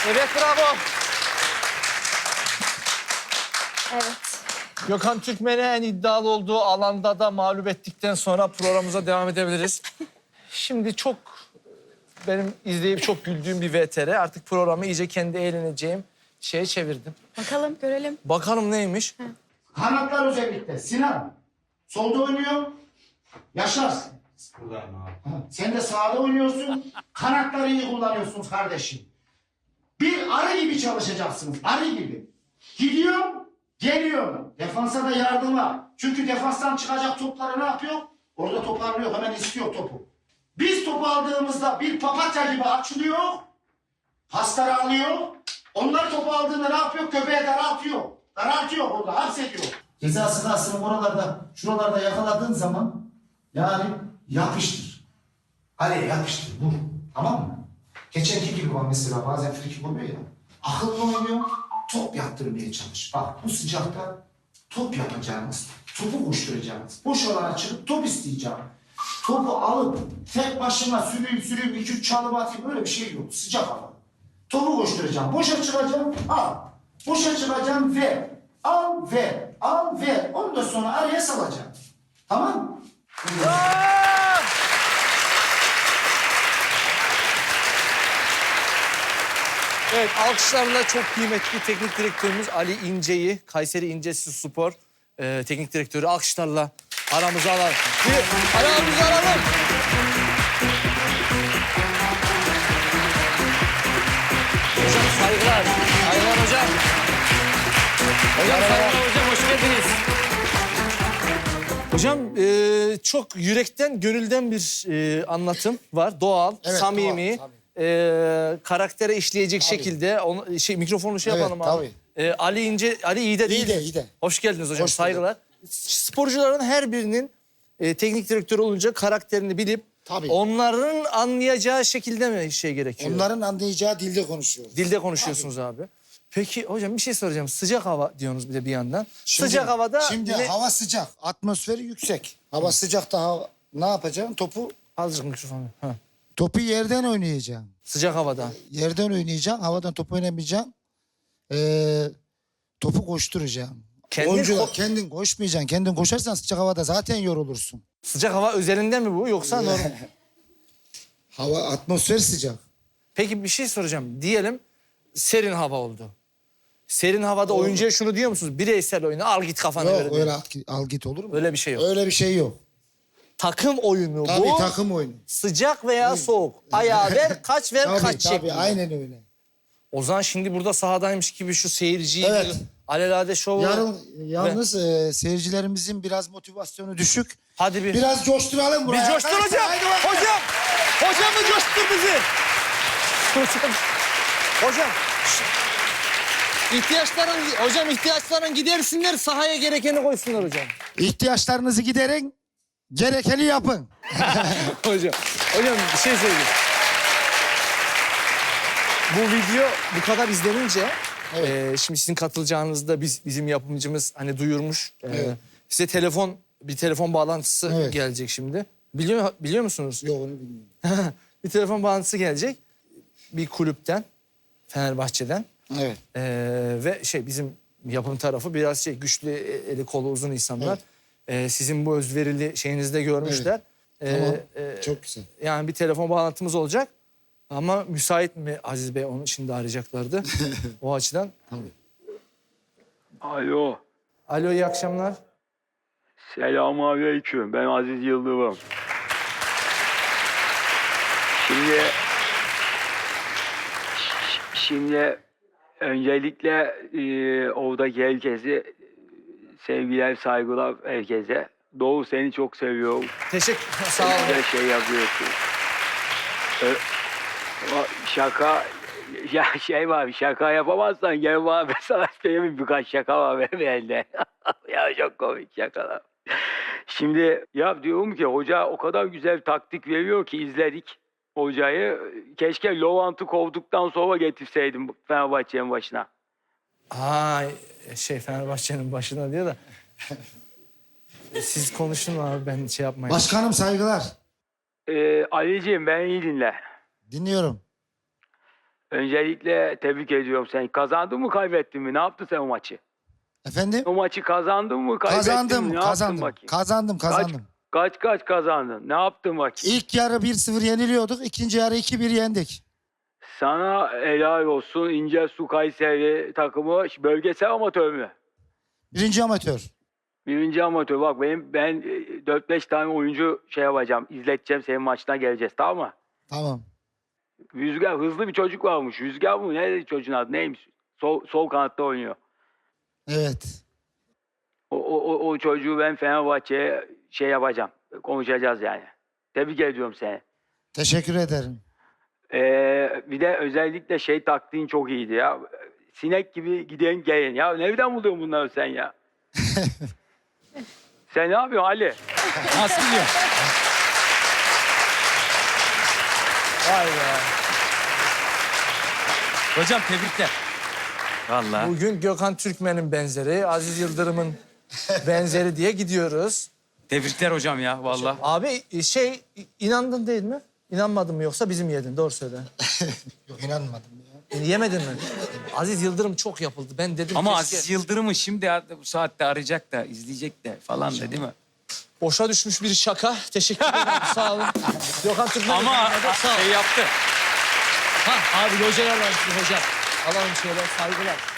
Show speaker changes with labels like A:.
A: Evet, bravo.
B: Evet.
A: Gökhan Türkmen'i en iddialı olduğu alanda da mağlup ettikten sonra programımıza devam edebiliriz. Şimdi çok benim izleyip çok güldüğüm bir VTR. Artık programı iyice kendi eğleneceğim şeye çevirdim.
B: Bakalım, görelim.
A: Bakalım neymiş?
C: Kanatlar özellikle. Sinan, solda oynuyor. Yaşar.
D: Buradayım abi.
C: Sen de sağda oynuyorsun. Kanatları iyi kullanıyorsunuz kardeşim. Bir arı gibi çalışacaksınız. Arı gibi. Gidiyor, geliyor. Defansa da yardıma. Çünkü defanstan çıkacak topları ne yapıyor? Orada toparlıyor. Hemen istiyor topu. Biz topu aldığımızda bir papatya gibi açılıyor. Pasları alıyor. Onlar topu aldığında ne yapıyor? Köpeğe daraltıyor. Daraltıyor burada. Hapsediyor. Ceza sahasının oralarda, şuralarda yakaladığın zaman yani yapıştır. Kaleye yapıştır. Vur. Tamam mı? Geçenki gibi var mesela bazen frikik oluyor ya. Akıllı oynuyor. Top yaptırmaya çalış. Bak bu sıcakta top yapacağınız, topu koşturacağınız. Boş alana çıkıp top isteyeceğim. Topu alıp tek başına sürüyüm 2-3 çalım atayım öyle bir şey yok. Sıcak hava. Topu koşturacağım. Boşa çıkacağım. Al. Boşa çıkacağım ver. Al ver. Al ver. Ondan sonra araya salacağım. Tamam mı?
A: Evet, alkışlarla çok kıymetli teknik direktörümüz Ali İnce'yi, Kayseri İncesi Spor teknik direktörü alkışlarla aramıza alalım. Aramıza alalım. Hocam saygılar. Saygılar hocam. Hocam saygılar hocam, hoş geldiniz. Hocam çok yürekten, gönülden bir anlatım var. Doğal,
E: Evet,
A: samimi.
E: doğal,
A: Karaktere işleyecek şekilde mikrofonu yapalım abi. Ali İnce, Ali iyi de değil.
E: İyi de.
A: Hoş geldiniz hocam,
E: Hoş bulduk.
A: saygılar. Sporcuların her birinin teknik direktör olunca karakterini bilip
E: Tabii.
A: onların anlayacağı şekilde mi gerekiyor?
E: Onların anlayacağı dilde konuşuyoruz.
A: Dilde konuşuyorsunuz abi. Peki hocam bir şey soracağım. Sıcak hava diyorsunuz bir de bir yandan.
E: Şimdi-
A: Sıcak havada
E: Şimdi hava sıcak, atmosferi yüksek. Hava sıcakta ne yapacaksın?
A: azıcık mikrofonu. Ha.
E: Topu yerden oynayacaksın.
A: Sıcak havada.
E: Yerden oynayacaksın, havadan top oynamayacaksın. Topu koşturacaksın. Oyuncular kendin koşmayacaksın. Kendin koşarsan sıcak havada zaten yorulursun.
A: Sıcak hava özelinde mi bu yoksa normal?
E: Hava, atmosfer sıcak.
A: Peki bir şey soracağım. Diyelim serin hava oldu. Serin havada oyuncuya şunu diyor musunuz? Bireysel oyunu al git kafana göre.
E: Yok
A: diyor.
E: öyle al git olur mu?
A: Öyle bir şey yok.
E: Öyle bir şey yok.
A: Takım oyunu
E: Tabii
A: bu.
E: takım oyunu.
A: Sıcak veya soğuk. Ayağı ver, kaç ver,
E: Tabii
A: kaç şeklinde.
E: aynen öyle.
A: O zaman şimdi burada sahadaymış gibi şu seyirciyi
E: Evet.
A: alelade şovu.
E: Yalnız seyircilerimizin biraz motivasyonu düşük.
A: Hadi bir.
E: Biraz coşturalım
A: Bir
E: buraya.
A: coştur hocam.
E: Haydi bakalım.
A: Hocam. Hocam mı coştur bizi? Hocam. Hocam. ihtiyaçların gidersinler, sahaya gerekeni koysunlar hocam.
E: İhtiyaçlarınızı giderin, gerekeni yapın.
A: Hocam bir şey söyleyeyim. Bu video bu kadar izlenince şimdi sizin katılacağınızda bizim yapımcımız hani duyurmuş.
E: Evet.
A: Size bir telefon bağlantısı
E: Evet.
A: gelecek şimdi. Biliyor musunuz?
E: Yok onu bilmiyorum.
A: Bir telefon bağlantısı gelecek bir kulüpten, Fenerbahçe'den.
E: Evet.
A: Ve bizim yapım tarafı biraz güçlü, eli kolu uzun insanlar. Sizin bu özverili şeyinizde görmüşler.
E: Tamam. Çok güzel.
A: Yani bir telefon bağlantımız olacak. Ama müsait mi Aziz Bey? Onu şimdi arayacaklardı. O açıdan.
F: Alo.
A: Alo, iyi akşamlar.
F: Selamünaleyküm. Ben Aziz Yıldırım. Şimdi öncelikle oradaki herkesi sevgiler, saygılar herkese. Doğu seni çok seviyorum.
A: Sağ olun.
F: Güzel şey yapıyorsun. Şaka ya var, şaka yapamazsan gel bana, ben sana söyleyeyim, birkaç şaka var benim elde. Ya çok komik şakalar. Şimdi ya diyorum ki hoca o kadar güzel taktik veriyor ki izledik hocayı. Keşke Lovant'ı kovduktan sonra getirseydim Fenerbahçe'nin başına.
A: Fenerbahçe'nin başına diyor da. Siz konuşun abi, ben yapmayayım.
E: Başkanım saygılar.
F: Ali'ciğim ben iyi dinle.
E: Dinliyorum.
F: Öncelikle tebrik ediyorum seni. Kazandın mı kaybettin mi? Ne yaptın sen o maçı?
E: Efendim?
F: O maçı kazandın mı kaybettin mi?
E: Kazandım,
F: Ne yaptın
E: kazandım.
F: bakayım?
E: Kazandım.
F: Kaç kazandın? Ne yaptın bakayım?
E: İlk yarı 1-0 yeniliyorduk. İkinci yarı 2-1 yendik.
F: Sana helal olsun. İncesu Kayseri takımı bölgesel amatör mü?
E: Birinci amatör.
F: Birinci amatör. Bak ben 4-5 tane oyuncu şey yapacağım. İzleteceğim, senin maçına geleceğiz, tamam mı?
E: Tamam.
F: Rüzgar, hızlı bir çocuk varmış. Rüzgar mı? Ne çocuğun adı? Neymiş? Sol kanatta oynuyor.
E: Evet.
F: O çocuğu ben Fenerbahçe'ye şey yapacağım. Konuşacağız yani. Tebrik ediyorum seni.
E: Teşekkür ederim.
F: Bir de özellikle şey taktiğin çok iyiydi ya. Sinek gibi giden gelin. Ya nereden buluyorsun bunları sen ya? Sen ne yapıyorsun Ali?
D: Nasıl biliyor?
A: Vay be.
D: Hocam tebrikler. Vallahi.
A: Bugün Gökhan Türkmen'in benzeri, Aziz Yıldırım'ın benzeri diye gidiyoruz.
D: Tebrikler hocam ya vallahi.
A: Abi inandın değil mi? İnanmadın mı yoksa bizim yedin? Doğru söyle.
E: Yok inanmadım ya.
A: Yemedin mi? Aziz Yıldırım çok yapıldı. Ben dedim
D: Ama
A: keşke...
D: Aziz Yıldırım'ı şimdi bu saatte arayacak da, izleyecek de falan da değil mi?
A: Boşa düşmüş bir şaka. Teşekkür ederim. Sağ olun. Gökhan Türkmen.
D: Ama
A: sağ ol.
D: şey yaptı.
A: Ha, abi locaya alalım hocam. Alalım şöyle saygılar.